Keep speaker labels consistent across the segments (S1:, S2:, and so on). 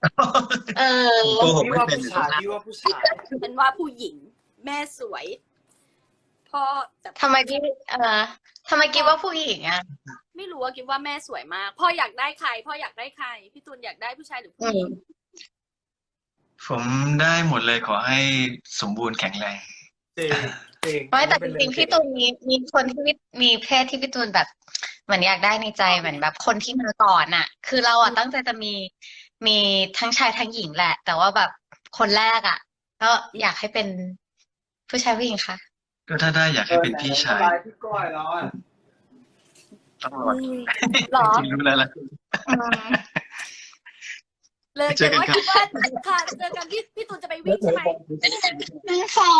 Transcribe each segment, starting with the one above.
S1: เอ
S2: ผมโก
S1: อ
S2: หก
S3: พี่
S2: ไม่
S3: ว่าผู้
S2: เป็นอยู่แล้ว
S3: ชายพี่ว่าผู้ชาย
S4: เป็นว่าผู้หญิงแม่สวยพ่อแต่
S1: ทำไมพี่ทำไมคิดว่าผู้หญิงอ่ะ
S4: ไม่รู้ว่าคิดว่าแม่สวยมากพ่ออยากได้ใครพ่ออยากได้ใครพี่ตูนอยากได้ผู้ชายหรือ
S1: อื
S4: ผู้หญิง
S1: ม
S2: ผมได้หมดเลยขอให้สมบูรณ์แข็งแรง
S3: จริงจริง
S1: ไม่แต่จ
S3: อันนี้เป็นเรื่
S1: ริงๆพี่
S3: องจริง
S1: ตูนมีคนที่มีเพศที่พี่ตูนแบบเหมือนอยากได้ในใจเหมือนแบบคนที่มาก่อนอ่ะ คือเราอ่ะตั้งใจจะมีทั้งชายทั้งหญิงแหละ แต่ว่าแบบคนแรกอ่ะก็อยากให้เป็นผู้ชายผู้หญิงค่ะ
S2: ก็ถ้าได้อยากให้เป็นพี่ชาย
S3: พี่ก้อยแล้วอ่ะ
S2: ต้องรอ
S4: หรอ
S2: จริงๆรู้แล้วล่ะ
S1: อืม
S4: เลย
S2: เจ
S4: แต่
S2: อกัน
S4: ว่า
S2: ครับ
S4: คิดว่าค่ะเจอกันพี่ตูนจะไปวิ่งใช่ไหม
S1: นางสอน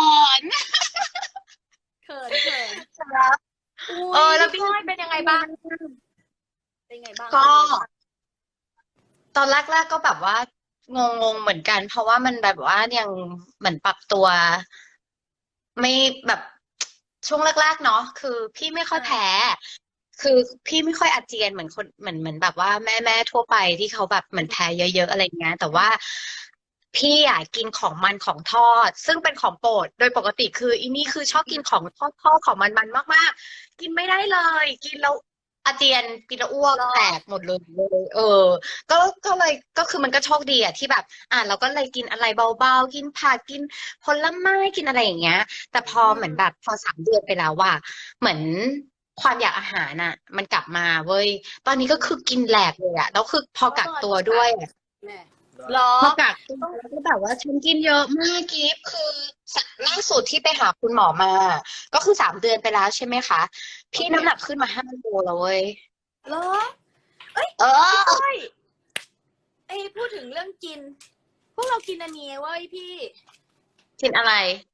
S4: เขินเขิน
S1: แล้ว
S4: อุ้ย
S1: แล้ว
S4: พี่
S1: พี่
S4: ก้อยเป็นยังไงบ้างเป็นไงบ้าง
S1: ก็ตอนแรกๆก็แบบว่างงๆเหมือนกัน เพราะว่ามันแบบว่ายังเหมือนปรับตัว ไม่แบบช่วงแรกๆเนาะคือพี่ไม่ค่อยแพ้ คือพี่ไม่ค่อยอาเจียนเหมือนคนเหมือนแบบว่าแม่ทั่วไปที่เขาแบบเหมือนแพ้เยอะๆอะไรเงี้ยแต่ว่าพี่อ่ะกินของมันของทอดซึ่งเป็นของโปรดโดยปกติคืออีนี่คือชอบกินของทอดของมันมากๆกินไม่ได้เลยกินแล้วอาเจียนกินแล้วอ้วกแตกหมดเลยก็ก็คือมันก็โชคดีอะที่แบบเราก็เลยกินอะไรเบาๆกินผักกินผลไม้กินอะไรอย่างเงี้ย แต่พอเหมือนแบบพอ3 เดือนไปแล้วว่าเหมือนความอยากอาหารน่ะ มันกลับมาเว้ยตอนนี้ก็คือกินแหลกเลยอะแล้วคือพอกักตัวด้วย
S4: แม่หรอ
S1: พอกักตัวแล้วก็แบบว่าฉันกินเยอะมากกิฟคือล่าสุดที่ไปหาคุณหมอมา ก็คือ3 เดือนไปแล้วใช่ไหมคะพี่น้ำหนักขึ้นมา5 โลแล้วเว้ย
S4: เหรอ
S1: เออ
S4: ก้อยพูดถึงเรื่องกิน พวกเรากินอันนี้เว้ยพี่
S1: กินอะไร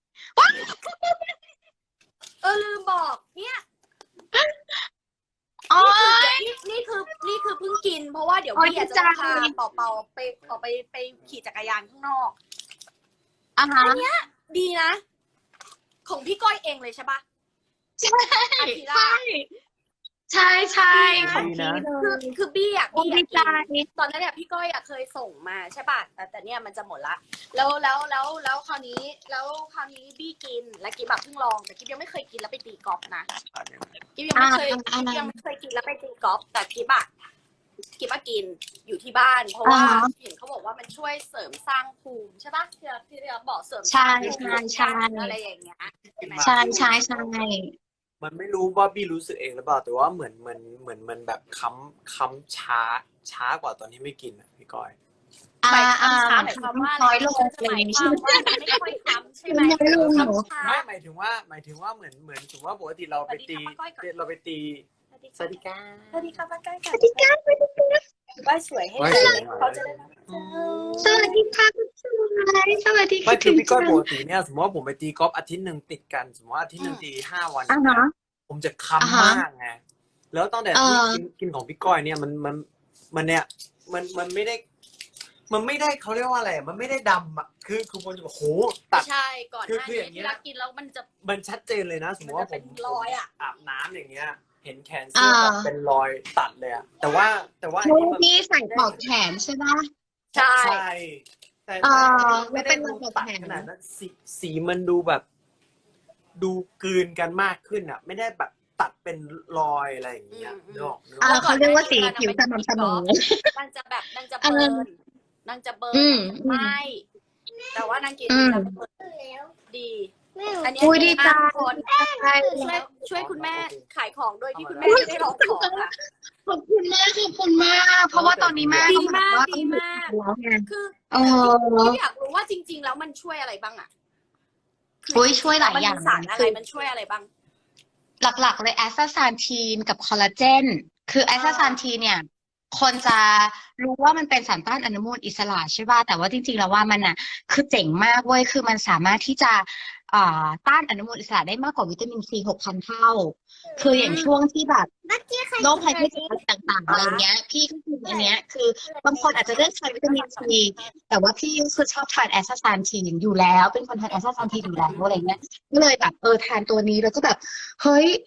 S4: ลืมบอกเนี่ย
S1: อ๋อ
S4: นี่คือเพิ่งกิน เพราะว่าเดี๋ยว
S1: โอ๊ย
S4: พี่อยาก
S1: ดี
S4: จะ
S1: ใจ
S4: พาเป่าไปออกไปขี่จักรยานข้างนอก
S1: อ่ะฮะ
S4: ดีนะ ของพี่ก้อยเองเลยใช่ปะ
S1: ใช่
S4: อากิระ
S1: ใช่ใช่ของ
S3: ดีนะ
S1: พี่เลย
S4: คือบี้อะ
S1: โอ้ดีใจ
S4: กินตอนนั้นเนี่ยพี่ก้อยอะเคยส่งมาใช่ป่ะแต่เนี่ยมันจะหมดละแล้วคราวนี้บี้กินและกิ๊บแบบเพิ่งลองแต่กิ๊บยังไม่เคยกินแล้วไปตีกอล์ฟนะกิ๊บยังไม่เคยกินแล้วไปตีกอล์ฟแต่กิ๊บอะกินอยู่ที่บ้าน เพราะว่าเห็นเขาบอกว่ามันช่วยเสริมสร้างภูมิใช่ป่ะที่เราบอกเสริมสร้างภูมิอะไรอย่างเงี้ยใช่ไหม
S1: ใช่ใช่ใช่
S3: มันไม่รู้ว่าพี่รู้สึกเองหรือเปล่าแต่ว่าเหมือนมันแบบค้ำช้ากว่าตอนที่ไม่กินอ่ะพี่ก้อย
S4: หมายความว่า
S1: น้อยลง
S4: หมายความว่ามันไม่ค่อยค้ำใช่ไหม
S1: น้อยลงเหรอ
S3: ไม่หมายถึงว่าเหมือนถือว่าปกติเราไปตีสวัสดีค่ะ
S4: สวัสดีค่ะป้าก้อย
S1: สวัสดีค่ะ
S4: ป้าสวยให้เขาจะได้รับ
S1: สวัสดีค่ะคุณชายสวัสดี
S3: ไม่
S1: ค่ะ
S3: คือพี่ก้อยปกติเนี่ยสมมติว่าผมไปตีกอล์ฟอาทิตย์หนึ่งติดกันสมมติว่าอาทิตย์หนึ่งตี5 วันผมจะค้ำมากไงแล้วตั้งแต่ที่กินของพี่ก้อยเนี่ยมันเนี่ยมันไม่ได้เขาเรียกว่าอะไรมันไม่ได้ดำอ่ะคือคนจะบอกโหตัด
S4: ใช่ก่อนหน้า
S3: คืออย่างเงี้
S4: นี้
S3: ย
S4: ที่เรากินแล้ว
S3: มันชัดเจนเลยนะสมมติว่าผม
S4: รอยอ่ะ
S3: อาบน้ำอย่างเงี้ย เห็นแขนเสื้อแบบเป็นรอยตัดเลยอะแต่ว่าอัน
S1: ช่ว
S3: นี้
S1: ง
S3: มัน
S1: ที่ใส่ปลอกแขนใช่ไหม
S4: ใช่
S3: ใช่แต่
S1: ไม่
S3: ไม่
S1: เป็
S3: ได้
S1: น
S3: ดู
S1: ระบบ
S3: ตัด
S1: แขน
S3: ขนาดนั้นสีมันดูแบบ ดูกลืนกันมากขึ้นอ่ะ ไม่ได้แบบตัดเป็นรอยอะไรอย่างเงี้ยนึกออก
S1: เขาเรียกว่าสีผิวสม่ำเสมอ
S4: นางจะเบิร์นนางจะเบิร์นไม่แต่ว่านางกินแล้วเบิร์นดีอันนี้
S1: อุ้ยดีใจ
S4: คน
S1: ใช่
S4: ช่วยคุณแม่ขายของโดยที่คุณแม่ไม่ได้ร้องของอ่ะ
S1: ขอบคุณมากขอบคุณมาก เพราะว่าตอนนี้แม่
S4: ดีมาก
S1: ก็
S4: ดีมาก
S1: แล้วไง
S4: คือ
S1: เออ
S4: ที่อยากรู้ว่าจริง ๆ แล้วมันช่วยอะไรบ้างอ่ะ
S1: อุ้ยช่วยหลายอย่าง
S4: มันมีสารอะไรมันช่วยอะไรบ้าง
S1: หลักๆเลยแอสตาซานทีนกับคอลลาเจนคือแอสตาซานทีนเนี่ย คนจะรู้ว่ามันเป็นสารต้านอนุมูลอิสระใช่ป่ะแต่ว่าจริงๆแล้วว่ามันอ่ะคือเจ๋งมากเว้ยคือมันสามารถที่จะต้านอนุมูลอิสระได้มากกว่าวิตามินซี6,000 เท่า คืออย่างช่วงที่แบบโรคภัยไข้เจ็บอะไรต่างๆอะไรเงี้ย พี่ก็คืออันเนี้ยคือบางคนอาจจะเลือกใช้วิตามินซีแต่ว่าพี่คือชอบทานแอสตาซานทีนอยู่แล้วเป็นคนทานแอสตาซานทีนอยู่แล้วอะไรเงี้ยก็เลยแบบทานตัวนี้แล้วก็แบบเฮ้ย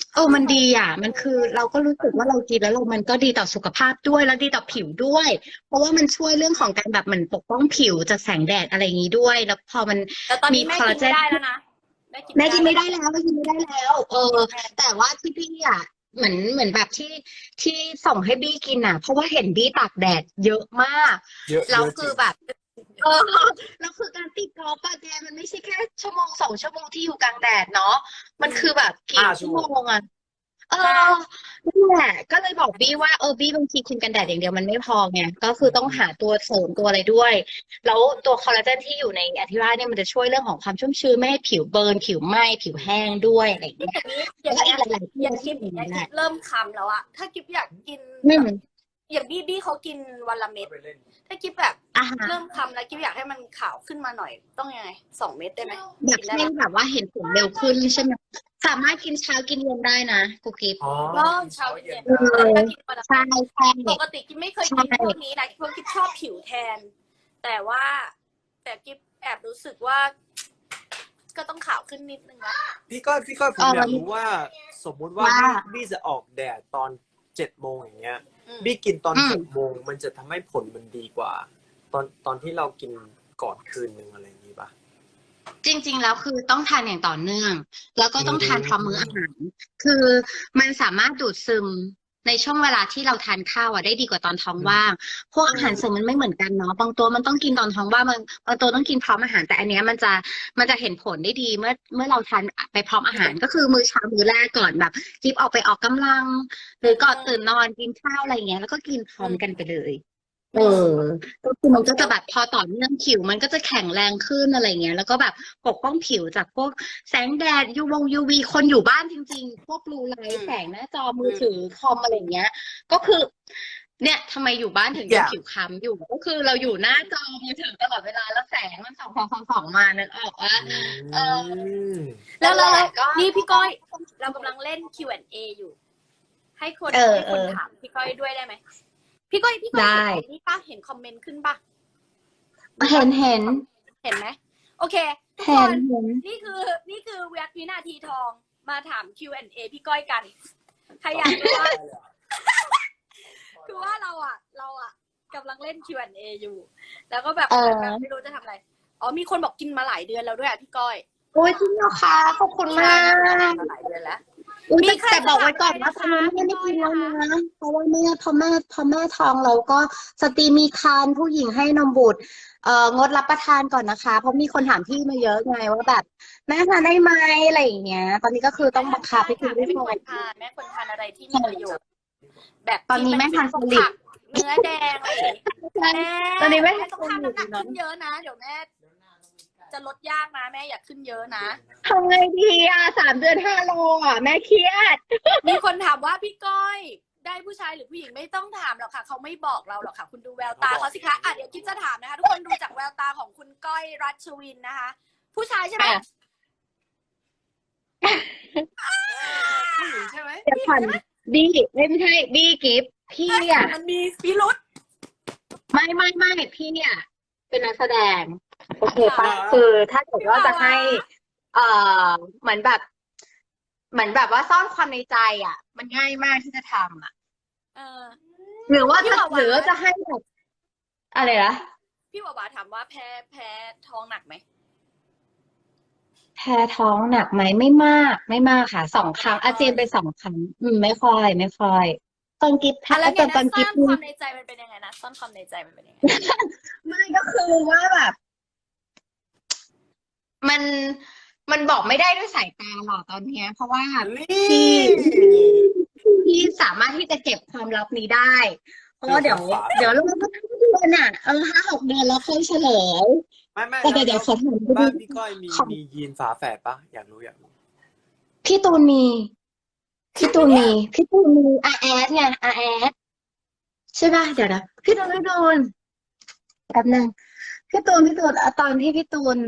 S1: มันดีอ่ะมันคือเราก็รู้สึกว่าเรากินแล้วมันก็ดีต่อสุขภาพด้วยแล้วดีต่อผิวด้วย เพราะว่ามันช่วยเรื่องของการแบบเหมือนปกป้องผิวจากแสงแดดอะไรอย่างนี้ด้วย แล้วพอมัน
S4: แต่ตอน
S1: มี
S4: นี้แม่
S1: คอล
S4: กิ
S1: ลาน เจ
S4: ไม่
S1: น
S4: ได้แล้วนะแม่กิน
S1: แม่กิน
S4: ไม่
S1: ไม่
S4: ได้
S1: ได้แล้วแม่กินไม่ได้แล้ว แต่ว่าที่พี่อ่ะเหมือนแบบที่ส่งให้บี้กินอ่ะ เพราะว่าเห็นบี้ตากแดดเยอะมาก
S3: เยอะ
S1: แล้ว
S3: เยอะจ
S1: คื
S3: ริ
S1: อง แบบแล้วคือการตีกอล์ฟอะแกมันไม่ใช่แค่ชั่วโมง2 ชั่วโมงที่อยู่กลางแดดเนาะมันคือแบบกี่ชั่วโมงอะนั่นแหละก็เลยบอกบี้ว่าบี้บางทีครีมกันแดดอย่างเดียวมันไม่พอไงก็คือต้องหาตัวเสริมตัวอะไรด้วย แล้วตัวคอลลาเจนที่อยู่ในอธิราเนี่ยมันจะช่วยเรื่องของความชุ่มชื้นไม่ให้ผิวเบิร์นผิวไหม้ผิวแห้งด้วยอะไรอย่าง
S4: นี่
S1: เงี้ย
S4: อย่างนี้
S1: แล้วก็อีกหลายๆที่
S4: อย่าง
S1: ที่
S4: กิ๊บ
S1: อย่าง
S4: อย่าง
S1: นี้แห
S4: กิ๊
S1: ละ
S4: บเริ่มคำแล้วอะถ้ากิ๊บอยากกิน
S1: อืม
S4: อย่างบี้เขากินวันละเม็ด
S3: ไปเล่น
S4: ถ้ากิ๊บแบบ
S1: อ่ะฮะ
S4: เริ่มคำแล้วกิ๊บอยากให้มันขาวขึ้นมาหน่อยต้องยังไง2 เม็ดได้ไหม
S1: อยาก
S4: กินได้
S1: ให้
S4: ไหม
S1: แบบว่าเห็นผลเร็วขึ้นใช่ไหมสามารถกินเช้ากินเย็นได้นะกุ๊กกิ๊บ
S3: อ๋อ
S4: ก็เช้าเย็น
S1: เออ
S4: ถ้ากินวันละ
S1: ใช่ใช่
S4: ปกติกิ๊บไม่เคยกินพวกนี้นะเพราะกิ๊บชอบผิวแทน แต่กิ๊บแอบรู้สึกว่า ก็ต้องขาวขึ้นนิดนึงละ
S3: พี่ก้อยผมอยากรู้ว่า สมมุติว่าบี้จะออกแดดตอน7 โมงอย่างเงี้ย บี้กินตอน6 โมงมันจะทำให้ผลมันดีกว่า ตอนที่เรากินก่อนคืนนึงอะไรอย่างนี้ป่ะ
S1: จริงๆแล้วคือต้องทานอย่างต่อเนื่อง แล้วก็ต้องทานพร้อมมื้ออาหาร คือมันสามารถดูดซึมในช่วงเวลาที่เราทานข้าวได้ดีกว่าตอนท้องว่าง พวกอาหารเสริมมันไม่เหมือนกันเนาะบางตัวมันต้องกินตอนท้องว่างบางตัวต้องกินพร้อมอาหารแต่อันเนี้ยมันจะเห็นผลได้ดีเมื่อเราทานไปพร้อมอาหารก็คือมื้อเช้ามื้อแรกก่อนแบบจิ๊บออกไปออกกำลัง หรือก่อนตื่นนอนกินข้าวอะไรเงี้ยแล้วก็กินพร้อมกันไปเลย ก็คือมันก็จะแบบพอต่อเนื่องผิวมันก็จะแข็งแรงขึ้นอะไรเงี้ยแล้วก็แบบปกป้องผิวจากพวกแสงแดดUV คนอยู่บ้านจริงๆ พวกบลูไลท์แสงหน้าจอมือถือคอมอะไรเงี้ย ก็คือ เนี่ยทำไมอยู่บ้านถึงยังผิวคล้ำอยู่ ก็คือเราอยู่หน้าจอมือถือตลอดเวลาแล้วแสงมันส่องมานึกออกว่า
S4: แล้ว
S1: นั่นแหละก็
S4: นี่พี่ก้อย เรากำลังเล่น Q&A อยู่ ให้คนถามพี่ก้อยด้วยได้ไหมพี่ก้อย
S1: ได้
S4: เห็นนี่ป้าเห็นคอมเมนต์ขึ้นป่ะ
S1: เห็น
S4: เห็นไหมโอเคทุกคน
S1: เห็น
S4: นี่คือวินาทีทองมาถาม Q&A พี่ก้อยกันใครอยากรู้ว่า คือว่าเราอ่ะกำลังเล่น Q&A อยู่ แล้วก็แบบไม่รู้จะทำอะไรมีคนบอกกินมาหลายเดือนแล้วด้วยอ่ะพี่ก้อย
S1: โอ้ยจริงเหรอคะขอบคุณมาก
S4: มาหลายเดือนแล้ว
S1: แต่บอกไว้ก่อนว่าตอนนี้ไม่ได้กินแล้วนะเพราะว่าพอแม่ท้องเราก็สตรีมีครรภ์ผู้หญิงให้นมบุตรงดรับประทานก่อนนะคะ เพราะมีคนถามพี่มาเยอะไงว่าแบบแม่ทานได้ไหมอะไรอย่างเงี้ย ตอนนี้ก็คือต้องบังคับให้กิน
S4: แม่
S1: ด้
S4: คว
S1: ย
S4: รทานแม่ควรทานอะไรที่มีประโยชน์ แบบ
S1: ตอนนี้แม่ทาน
S4: พวก
S1: โฟลิก
S4: ผักเนื้อแดงอะไรอย่างงี้
S1: ตอนนี้แม่
S4: ต้องทำน้ำหนักขึ้นเยอะนะเดี๋ยวแม่จะลดยากนะแม่อยากขึ้นเยอะนะ
S1: ทำไงดี3 เดือน5 โลแม่เครียด
S4: มีคนถามว่าพี่ก้อยได้ผู้ชายหรือผู้หญิงไม่ต้องถามหรอกค่ะเขาไม่บอกเราหรอกค่ะ คุณดูแววตาเขาสิคะเดี๋ยวกิ๊บจะถามนะคะทุกคนดูจากแววตาของคุณก้อยรัชวินนะคะ ผู้ชายใช่ไหมผู้หญิงใช่ไหม
S1: เดี๋ยวก่อนบี้ไม่ใช่บี้กิฟต์พี่อ่ะ
S4: มันมีพิรุษ
S1: ไม่พี่อ่ะเป็นนักแสดง โอเคปะคือถ้าเกิดว่าจะให้เหมือนแบบว่าซ่อนความในใจอ่ะ มันง่ายมากที่จะทำอ่ะ หรือว่าจะให้แบบอะไรนะ
S4: พี่วาวาถามว่าแพ้ท้องหนักไหม
S1: แพ้ท้องหนักไหมไม่มากค่ะ2 ครั้งอาเจียนไป2 ครั้งไม่ค่อยตอนกิฟต์
S4: แล้วไง
S1: ตอน
S4: นะ
S1: กิ
S4: ซ่
S1: ฟ
S4: อน
S1: ต์
S4: ความในใจมันเป็นยังไงนะซ่อนความในใจมันเป็นยังไง
S1: ไม่ก็คือว่าแบบ มันบอกไม่ได้ด้วยสายตาหรอกตอนเนี้ย เพราะว่าพี่สามารถที่จะเก็บความลับนี้ได้ เพราะว่าเดี๋ยวเราก็5 เดือน5-6 เดือนแล้วค่อยเฉลย
S3: ไม่
S1: แต่เดี๋ยวขอถาม
S3: บ้านพี่ก้อยมียีนฝาแฝดปะอยากรู้
S1: พี่ตูนมีอาแอดไงอาแอดใช่ป่ะเดี๋ยวนะพี่ตูนแป๊บนึงพี่ตูนตอนที่พี่ตูน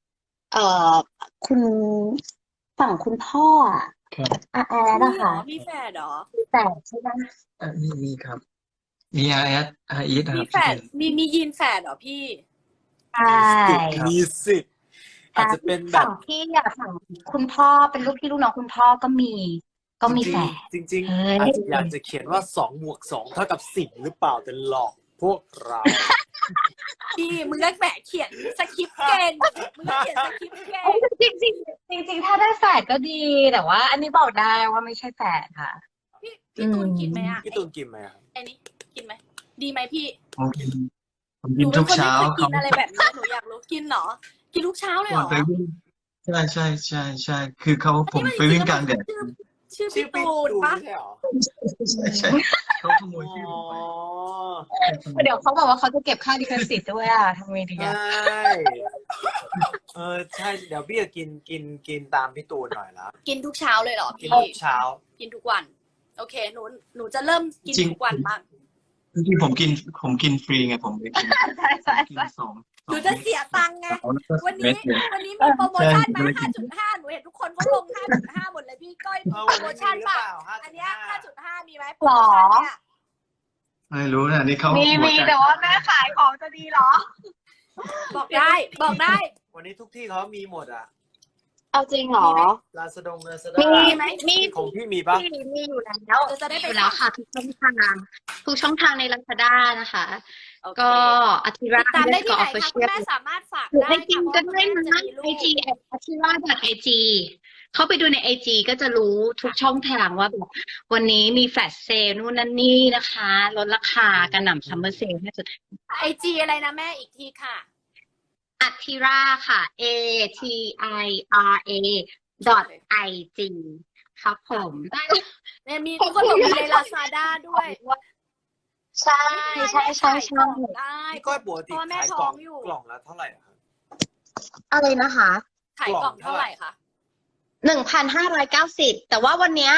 S1: คุณฝั่งคุณพ่ออาแอดอะค่ะ
S4: มีแฝดเหรอ
S1: แต่ใช่ป่ะ
S2: มีครับ มีRS ค
S4: มี
S2: รับ
S4: แฝดมียีนแฝดเหรอพี่
S1: ใช่
S3: มีสิทธิ์อาจจะเป็นแบบ
S1: ฝั่งพี่อะฝั่งคุณพ่อเป็นลูกพี่ลูกน้องคุณพ่อก็มีก็มีแฝด
S3: จริง
S1: เฮ้ย
S3: ๆอาจจะอยากจะเขียนว่า2+2 เท่ากับ10หรือเปล่าแต่หลอกพวกเรา
S4: พี่มึงก็แหมเขียนสคริปต์เก่งมึงก็เขียนสคริปต์เก่ง
S1: จริงจริงๆจริงๆถ้าได้แฝดก็ดีแต่ว่า อันนี้บอกได้ว่าไม่ใช่แฝดค่ะ
S4: พี่ตูนกินไหมอ่ะ
S3: พี่ตูนกินไหมครับ
S4: ไอ้นี่กินไหมดีไหมพี่
S2: ผมกิน
S4: หนูเป็
S2: ทุ
S4: น
S2: ก
S4: คน
S2: เช้า
S4: ไม่เคย
S2: ค
S4: กิ
S2: รับ
S4: นอะไรแบบนี้หนูอยากรู้กินเหรอกินทุกเช้าเลยเห
S2: ก่
S4: ร
S2: อน
S4: อ
S2: ไปวิ่งใช่คือผมไปวิ่งกลางแดด
S4: ชื่อ
S3: ชื่
S4: พี่
S3: อพี่
S4: ตูน
S3: ตูน
S4: ปะ
S3: ไม่ใช่หรอ
S2: ใช่เขาขโมยชื่อผมไป
S1: เดี๋ยวเขาบอกว่าเขาจะเก็บค่าลิขสิทธิ์ด้วยอ่ะทำไงดี
S3: ใช่
S1: อ่ะ
S3: ใช่เดี๋ยวพี่จะกินตามพี่ตูนหน่อยละ
S4: กินทุกเช้าเลยเหรอ
S3: กิน
S4: พี่
S3: ทุกเช้า
S4: กินทุกวัน โอเคหนูจะเริ่มกินทุกวันบ้าง
S2: จริงๆผมกินฟรีไงผมเลยกิน
S1: ใช่ใช่
S2: กิน
S1: ใช่
S2: สอง
S4: หนูจะเสียตังค์ไง วัน
S2: เม็
S4: นี้
S2: ดเลย
S4: วันนี้มีโปรโมชั่นมา
S2: ใช่
S4: 5.5 หนูเห็นทุกคนเขาลง 5.5 หมดเลยพี่ก้อยมีโปรโมชั่นป่ะ อันเนี้ย 5.5 มีไหมโปรโมชั่นเนี่ย
S2: ไม่รู้นะนี่เขา
S1: มี
S2: หัวใจ
S1: แต่ว่าแม่ขายของจะดีเหรอ
S4: บอกได้ บอกได้
S3: วันนี้ทุกที่เขามีหมดอ่ะ
S1: เอาจริงเหรอ
S3: ลาซาดงลาซา
S1: มี
S3: ด้า
S4: ไหม
S1: มี
S3: ของพี่มีปะ
S1: มีอยู่แล้ว
S4: จะได้ไป
S1: อยู่แล้วค่ะทุกช่องทางใน Lazada นะคะ
S4: โอเค
S1: ก็อาทิ
S4: ติ
S1: รา
S4: ดตามได้ที่ไหน
S1: ออฟฟิ
S4: คะ
S1: เชี
S4: คุณ
S1: ยล
S4: แม่สามารถฝาก
S1: หรือ
S4: ได้
S1: ไอจี
S4: ค่ะเพ
S1: ก็
S4: ราะ
S1: ได้
S4: คุณแม่
S1: นะ
S4: จะมีลู
S1: ไอก จีอาทิราไอจีเข้าไปดูในไอจีก็จะรู้ทุกช่องทางว่าแบบวันนี้มีแฟลชเซลนู่นนั่นนี่นะคะลดราคากระหน่ำซัมเมอร์เซลให้สุด
S4: ไอจีอะไรนะแม่อีกทีค่ะ
S1: อัทิราค่ะ ATIRA .IG ครับผมได้
S4: เนี่ยมีทุกคนบอกมีในลาซาด้าด้วย
S1: ใช่ใช่ใช่ใช่
S4: ได้
S3: พี่ก้อยปกติ
S4: เพราะว่าแม่
S3: ขาย
S4: ท้
S3: กล่
S4: อ
S3: อง ง
S4: อยู่
S3: กล่องละเท่าไหร่อะครับ
S1: อะไรนะคะ
S4: ขายกล่องเท่าไหร่คะ
S1: 1,590แต่ว่าวันเนี้ย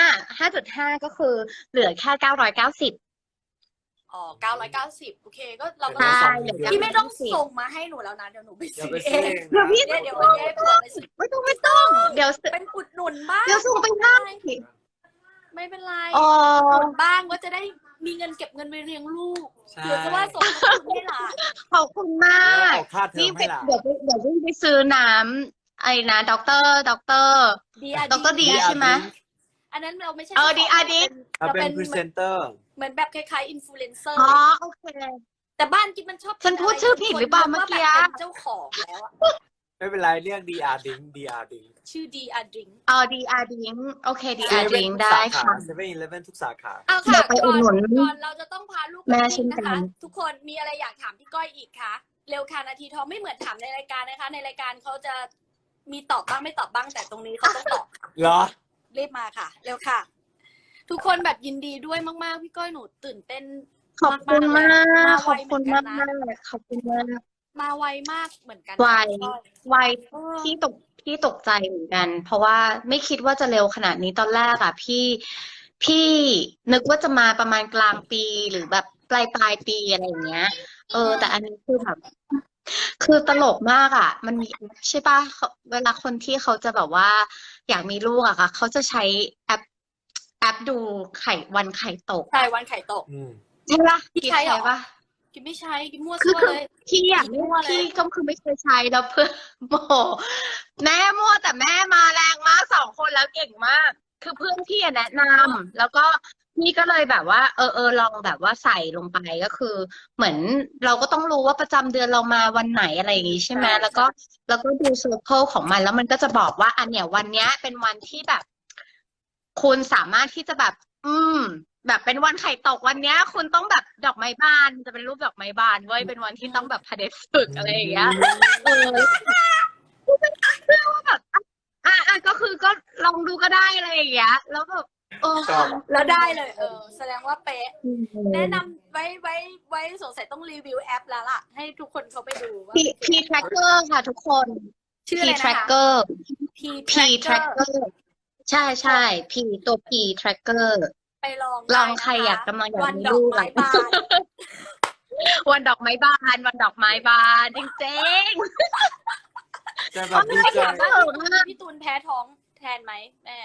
S1: 5.5ก็คือเหลือแค่990
S4: อ๋อ990โอเคก็เราก็
S1: ใช่
S4: พี่ไม่ต้องส่งมาให้หนูแล้วนะเดี๋ยวหนูไป
S3: เดี๋ยว
S4: ซื้อ
S3: ไป
S4: เอ
S3: ซื้อง เอง
S1: เดี๋ยวพี่
S3: นะ
S4: เดี๋ยววันนี้ให้ผัวไปซื้อ
S1: ไม่ต้องเดี๋ยวซื้อ
S4: เป็นอุดหนุนบ้าง
S1: เดี๋ยวส่งไปให้
S4: ไม่เป็นไร
S1: อ๋อ
S4: อุดหนุนบ้างก็จะได้มีเงินเก็บเงินไปเลี้ยงลูก
S3: ใช่
S4: เผื่อจะว่าส่งให้คุณให้หลาน
S1: ขอบคุณมา
S3: แล้ว
S1: ก
S3: ออกค่าเทอ
S1: นี่
S3: ม
S1: ไป
S3: ให้หลาน
S1: เดี๋ยวไปซื้อน้ำไอ้นะด็อกเตอร์
S4: ดี
S1: ดรดีใช่ไหม
S4: อันนั้นเราไม่ใช่
S1: ดีอาร์ดี
S3: เราเป็นพรีเซนเตอร์
S4: เหมือนแบบคล้ายๆอินฟลูเอนเซอร์
S1: อ๋อโอเค
S4: แต่บ้านกิ๊บมันชอบ
S1: ฉันพูดชื่อผิดหรือเปล่าเมื่อกี้
S4: ว่าแบบเป็นเจ้าของแล้วอะ
S3: ไม่เป็นไรเรียก DR Drink DR Drink
S4: ชื่อดีอาร์ดิง
S1: อ๋อดีอาร์ดิงโอเคดีอาร์ดิงได้ค่ะ
S3: เซเว่นอีเลฟเว่นทุกสาขา
S4: เอา
S1: เดี๋
S4: ค่ะ
S1: ยวไปอุดหนุน
S4: ก่อนเราจะต้องพาลูก
S1: แม่
S4: ไป
S1: เช่
S4: วิ่
S1: น
S4: ง
S1: กั
S4: นะคะ
S1: น
S4: ทุกคนมีอะไรอยากถามพี่ก้อยอีกคะเร็วค่ะนาทีทองไม่เหมือนถามในรายการนะคะ ในรายการเขาจะมีตอบบ้างไม่ตอบบ้างแต่ตรงนี้เขาต้องตอบ
S3: เหรอ
S4: รีบมาค่ะ เร็วค่ะ ทุกคนแบบยินดีด้วยมากๆพี่ก้อยหนูตื่นเต้น
S1: ขอบคุณมาก
S4: มา
S1: ข
S4: ไว
S1: อบคุณ
S4: เหมื
S1: มา
S4: อก นกันนะ
S1: ขอบคุณมาก
S4: มาไวมากเหมือนกัน
S1: ไว
S4: พี่ก้อย
S1: ไว
S4: เออ
S1: พี่ตกใจเหมือนกัน เพราะว่าไม่คิดว่าจะเร็วขนาดนี้ตอนแรกอ่ะพี่นึกว่าจะมาประมาณกลางปีหรือแบบปลายปีอะไรอย่างเงี้ย แต่อันนี้คือแบบคือตลกมากอ่ะ มันมีใช่ป่ะเวลาคนที่เขาจะแบบว่า อยากมีลูกอะค่ะเขาจะใช้แอปดูวันไข่ตก
S4: ใช่วันไข่ตก
S1: ใช่ป่ะ
S4: พี่
S1: กิ๊บ
S4: ใช้เหรอ
S1: ใช่ป่ะ
S4: กินไม่ใช้กินมั่ว
S1: คือ
S4: ซั่วเลย
S1: พี่อยาก
S4: มั่วเลย
S1: พี่ก็คือไม่เคยใช้แล้วเพื่อนโมโหแม่มั่วแต่แม่มาแรงมาก2 คนแล้วเก่งมาก คือเพื่อนพี่อะแนะนำแล้วก็พี่ก็เลยแบบว่าลองแบบว่าใส่ลงไปก็คือ เหมือนเราก็ต้องรู้ว่าประจำเดือนเรามาวันไหนอะไรอย่างงี้ใช่ไหมแล้วก็ดูเซอร์เคิลของมันแล้วมันก็จะบอกว่าอันเนี้ยวันเนี้ยเป็นวันที่แบบ คุณสามารถที่จะแบบ แบบเป็นวันไข่ตกวันเนี้ย คุณต้องแบบดอกไม้บานจะเป็นรูปดอกไม้บานเว้ยเป็นวันที่ต้องแบบพเดฝึกอะไรอย่างเงี้ยแบบก็คือก็ลองดูก็ได้อะไรอย่างเงี้ยแล้วแบบ
S3: ชอบ
S4: แล้วได้เลย แสดงว่าเป๊ะ แนะนำไว้สงสัยต้องรีวิวแอปแล้วล่ะ ให้ทุกคนเขาไปดูว่า
S1: P tracker ค่ะทุกคน
S4: ชื่อ
S1: P
S4: อะไรนะคะ
S1: tracker
S4: P
S1: P tracker ใช่ใช่ P ตัว P tracker
S4: ไปลอง
S1: ลอง
S4: ได้นะคะ
S1: ใครอยากกำลังอยาก
S4: วัน
S1: มี
S4: ดอ
S1: ลู
S4: ก
S1: ก
S4: ไม้บาน
S1: วันดอกไม้บานวันดอกไม้บานจริง
S3: จะแบ
S1: ๆ
S3: บดีใจ
S4: พี่ตูนแพ้ท้องแทนไหมแม่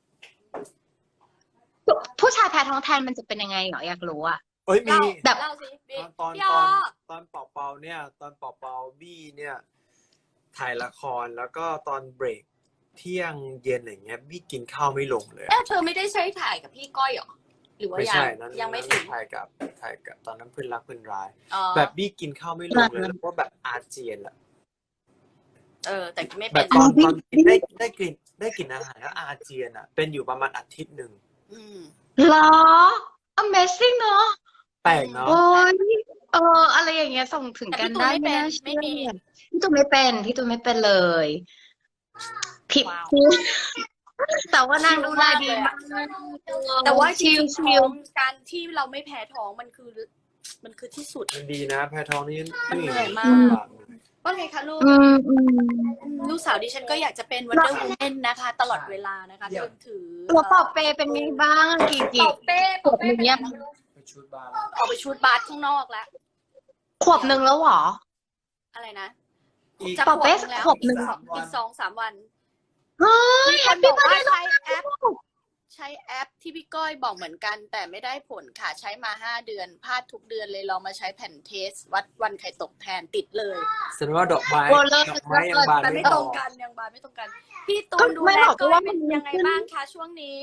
S1: ผู้ชายแพ้ท้องแทนมันจะเป็นยังไงเหรออยากรู้อะ
S3: เอ้ยมี
S1: แบบ
S4: เล่าสิพี่
S3: ตอน
S4: พี่ออ
S3: ตอนเป่าเนี่ยตอนเป่าบี้เนี่ยถ่ายละครแล้วก็ตอนเบรกเที่ยงเย็นอะไรเงี้ยบี้กินข้าวไม่ลงเลย
S4: เธอไม่ได้ใช้ถ่ายกับพี่ก้อยหรอหรือว่า
S3: ไม่
S4: ยั
S3: ใช่
S4: ง
S3: นั้น
S4: ยังไม่ถึง
S3: ถ่ายกับตอนนั้นเพื่อนรักเพื่อนร้าย
S4: อ๋อ
S3: แบบบี้กินข้าวไม่ลงเลยแล้วก็แบบอาเจียนอะ
S4: แต่ไม่
S3: แบ
S4: เป็
S3: บ
S4: น
S3: ตอนกินได้กลิ่นอาหารแล้วอาเจียนอะเป็นอยู่ประมาณอาทิตย์หนึ่ง
S4: อืม
S1: เหรอ Amazing เนอะ
S3: แปลกเนาะ
S1: โอ้ยอะไรอย่างเงี้ยส่งถึงกันได้ไม่น่าเชื่อพี่ตูนไม่เป็นเลยผิด
S4: ว้าว
S1: แต่ว่านางดูแลดีมาก
S4: แต่ว่าจ
S1: ชิ
S4: ริ
S1: ล
S4: งๆท้องการที่เราไม่แพ้ท้องมันคือที่สุด
S3: มันดีนะแพ้ท้องนี่
S4: มันเหนื่อยมาก ว่าไงคะลูก ลูกสาวดิฉันก็อยากจะเป็น Wonder Woman นะคะ ตลอดเวลานะคะจนถือ
S1: ตัวปอบเปเป็นไงบ้างกี่
S4: ปอบเป้
S1: ขวบหนึ่งเนี่ย
S3: ไปชุดบาร์
S4: ออกไปชูดบาสข้างนอกแล้ว
S1: ขวบหนึ่งแล้วเหรอ
S4: อะไรนะ
S3: อีก
S4: จะ
S1: ปอบเป้
S4: แล้ว
S1: ขวบหนึ่ง
S4: อีก2-3 วัน
S1: เฮ้ย
S4: มี
S1: แฮ
S4: ค
S1: ป
S4: นบ
S1: ปี้
S4: อก
S1: เบิร์
S4: ว่า
S1: ดเดย์
S4: ใช้แอปที่พี่ก้อยบอกเหมือนกัน แต่ไม่ได้ผลค่ะ ใช้มา5 เดือนพลาดทุกเดือนเลยลองมาใช้แผ่นเทส วัดวันไข่ตกแทนติดเลย
S3: แสดงว่าดอกไม้ยังบาน
S4: แต่
S3: ไม่
S4: ไม่
S3: พ
S4: ตร
S3: อง
S4: กันยังบานไม่ตรงกัน พี่ตู
S1: ก็
S4: นดู
S1: ไม่
S4: แล
S1: หรอก
S4: ก้อ
S1: ว่าย
S4: เป็น
S1: มัน
S4: ยังไง
S1: ขึ้น
S4: บ้างคะช่วงนี้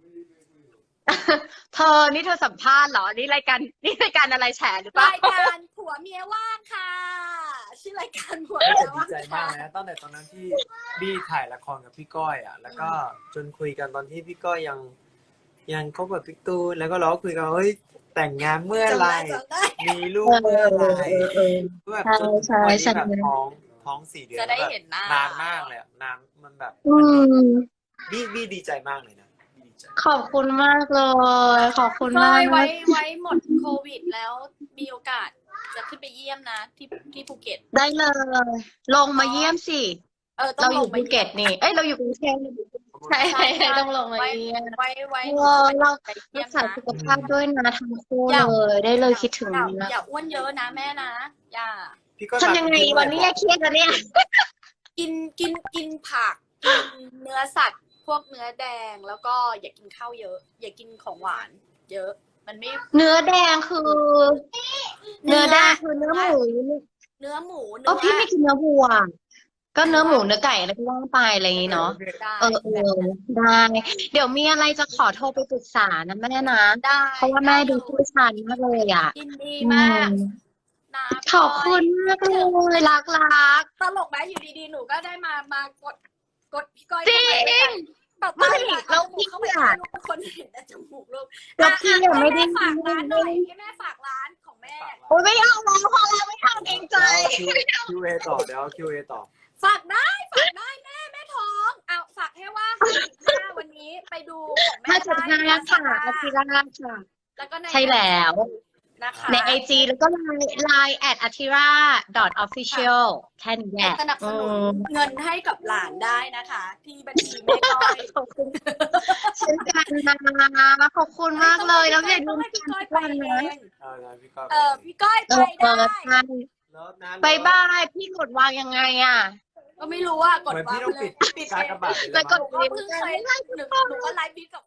S1: นี่เธอสัมภาษณ์เหรอ นี่รายการอะไรแฉหรือเปล่าร
S4: ายการผัวเมียว่างค่ะ ชื่อรายการผัวเมีย
S3: ดี
S4: ว่าง
S3: ใจมากนะตั้งแต่ตอนนั้นที่บี้ถ่ายละครกับพี่ก้อยอ่ะ แล้วก็จนคุยกันตอนที่พี่ก้อยยังคบกับพี่ตูนแล้วก็เราก็คุยกันเฮ้ยแต่งงานเมื่อไหร่
S4: จำได้
S3: มีลูกเมื่อไหร่แบบจน
S1: ใช่
S3: วัน
S1: ใช่
S3: นี้แบบท้อง4 เดือน
S4: จะได้เห็นหน้าน
S3: านมากเลยอะนานมันแบบ บี้ดีใจมากเลยนะบี้ดีใจ
S1: ขอบคุณมากเลย ขอบคุณ
S4: ก้
S1: มา
S4: อก ยไว้หมดโควิดแล้วมีโอกาสจะขึ้นไปเยี่ยมนะที่ภูเก็ต
S1: ได้เลย ลงมาเยี่ยมสิ
S4: ต้
S1: เรา
S4: อง
S1: อ
S4: ล
S1: ยู่
S4: ง
S1: ภูเก็ตนี่ เอ้ยเราอยู่กรุงเทพใช่ต้องลงมาเยี่ยม
S4: ไว้
S1: เรา
S4: ไปเยี่
S1: รั
S4: ย
S1: ก
S4: ม
S1: ษา
S4: นะ
S1: สุขภาพด้วยนะทั้งคู่เลยได้เลยคิดถึงนะ
S4: อย่าอ้วนเยอะนะแม่นะอย่า
S3: พี่ก้อย
S1: ทำยังไงวันนี้เครียดอะเนี่ย
S4: กินผักกินเนื้อสัตว์ พวกเนื้อแดงแล้วก็อย่ากินข้าวเยอะ อย่ากินของหวาน เยอะ มันไม่
S1: เนื้อแดงคือ เนื้อแดงคือเนื้อหมู
S4: เนื้อหมู
S1: พี่ไม่กินเนื้อวัว ก็เนื้อหมูเนื้อไก่อะไรก็ว่าไปอะไรอย่างนี้เนาะ
S4: ได้
S1: ได้ เดี๋ยวมีอะไรจะขอโทรไปปรึกษานะแม่นะ
S4: ได้
S1: เพราะว่าแม่ดูผู้ชายมากเลยอ่ะ
S4: ยินดีมากนะ
S1: ขอบคุณมากเลยรัก
S4: ตลกไหมอยู่ดีๆหนูก็ได้มากดพี่ก้อย
S1: จริง
S4: แบบ
S1: ไม่
S4: เรา
S1: พี่
S4: เข้าไป
S1: อะ
S4: คนเห็นแต่จมูกลูก
S1: แล้วพี่อะไม่ได้
S4: ฝากร้านหน่อยให้แม่ฝากร้านของแม่
S1: โอ้ยไม่เอาแล้วพอแล้วไม่เอาเกรงใจ
S3: QA ต่อเดี๋ยว QA ต่อ
S4: ฝากได้แม่ท้องเอาฝากให้ว่า55วันนี้ไปดูของแม่
S1: 5.5ค่ะอาทิราค่ะ
S4: แล้วก็ใน
S1: ใช่แล้ว
S4: นะคะ
S1: ใน IG แล้วก็ไลน์@atira.official แค่นี้แหละ
S4: สนับสนุนเงินให้กับหลานได้นะคะ ที่บัญชีแม่ก้อย
S1: ขอบคุณเช่นกันนะขอบคุณมากเลยแล้วอย่าลืม
S4: ให้พี่ก้อย
S1: ทุก
S4: ไป
S1: วัน
S4: เอ
S1: นะ
S4: ง
S3: พี่ก้อย
S4: พี่ก้อยไปได้
S1: ใช่
S3: แล้วนะ
S1: บายบายพี่กดวางยังไงอ่ะ
S4: ก็ไม่รู้ว่ากด
S3: เหมือน
S4: วาง
S3: พี่ต้อง
S4: ไปเลย
S3: ปิดการกระบาดไป
S1: แล้ว
S3: ย
S1: ก็
S4: หนูก็เพิ่งเคยหนูก็ไลฟ์บิทกับ